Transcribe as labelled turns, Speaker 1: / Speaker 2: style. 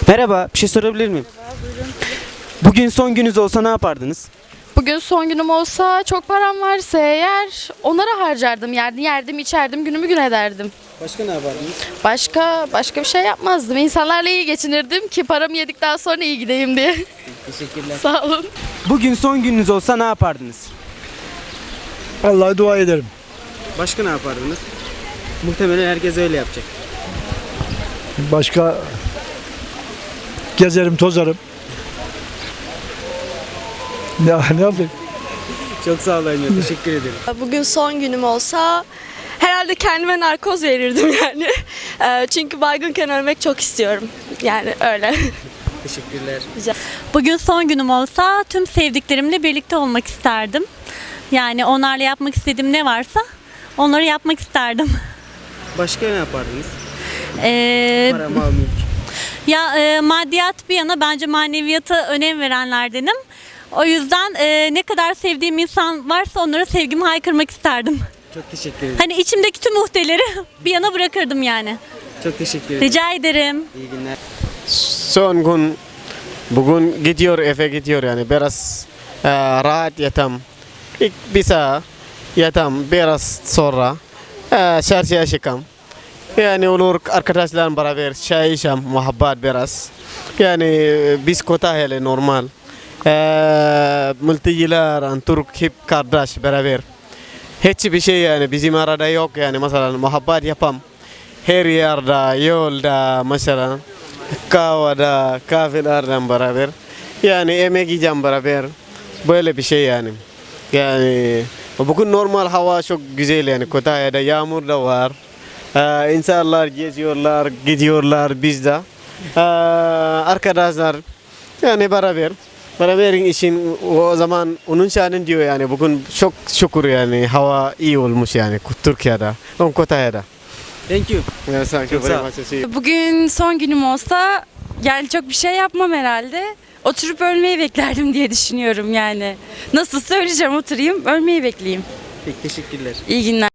Speaker 1: Merhaba, bir şey sorabilir miyim? Bugün son gününüz olsa ne yapardınız?
Speaker 2: Bugün son günüm olsa çok param varsa eğer onlara harcardım. Yerdim, içerdim, günümü gün ederdim.
Speaker 1: Başka ne yapardınız?
Speaker 2: Başka bir şey yapmazdım. İnsanlarla iyi geçinirdim ki paramı yedikten sonra iyi gideyim diye.
Speaker 1: Teşekkürler.
Speaker 2: Sağ olun.
Speaker 1: Bugün son gününüz olsa ne yapardınız?
Speaker 3: Vallahi dua ederim.
Speaker 1: Başka ne yapardınız? Muhtemelen herkes öyle yapacak.
Speaker 3: Başka gezerim, tozarım. Ne yapayım?
Speaker 1: Çok sağ olun, teşekkür ederim.
Speaker 4: Bugün son günüm olsa herhalde kendime narkoz verirdim yani. Çünkü baygınken ölmek çok istiyorum. Yani öyle.
Speaker 1: Teşekkürler.
Speaker 5: Bugün son günüm olsa tüm sevdiklerimle birlikte olmak isterdim. Yani onlarla yapmak istediğim ne varsa onları yapmak isterdim.
Speaker 1: Başka ne yapardınız?
Speaker 5: Ee,
Speaker 1: Mal, mülk.
Speaker 5: Maddiyat bir yana bence maneviyata önem verenlerdenim. O yüzden ne kadar sevdiğim insan varsa onlara sevgimi haykırmak isterdim.
Speaker 1: Çok teşekkür ederim.
Speaker 5: Hani içimdeki tüm muhteleri bir yana bırakırdım yani.
Speaker 1: Çok teşekkür ederim.
Speaker 5: Rica ederim.
Speaker 1: İyi günler.
Speaker 6: Son gün bugün gidiyor eve gidiyor yani biraz rahat yatam. İlk bir saat yatam biraz sonra çarşıya çıkam. Yani olur arkadaşlarım beraber çay içem muhabbet biraz. Yani biz kota hele normal. Mülteciler, Türk hep kardeş beraber. Hiçbir şey yani bizim arada yok yani mesela muhabbet yapam. Her yerde, yolda mesela. Kahvada, kahvelerden beraber. Yani yemek yiyeceğim beraber. Böyle bir şey yani. Yani bugün normal hava çok güzel yani. Kütahya'da yağmur da var. İnsanlar geziyorlar, gidiyorlar biz de. Arkadaşlar yani beraber. Beraberin için o zaman onun şanın diyor yani bugün çok şükür yani hava iyi olmuş yani Türkiye'de, Kütahya'da.
Speaker 1: Thank you.
Speaker 6: Yes, thank you
Speaker 1: Çok
Speaker 6: very
Speaker 1: sağ ol.
Speaker 6: much to see you.
Speaker 7: Bugün son günüm olsa yani çok bir şey yapmam herhalde. Oturup ölmeyi beklerdim diye düşünüyorum yani. Nasıl söyleyeceğim oturayım ölmeyi bekleyeyim.
Speaker 1: Peki, teşekkürler.
Speaker 7: İyi günler.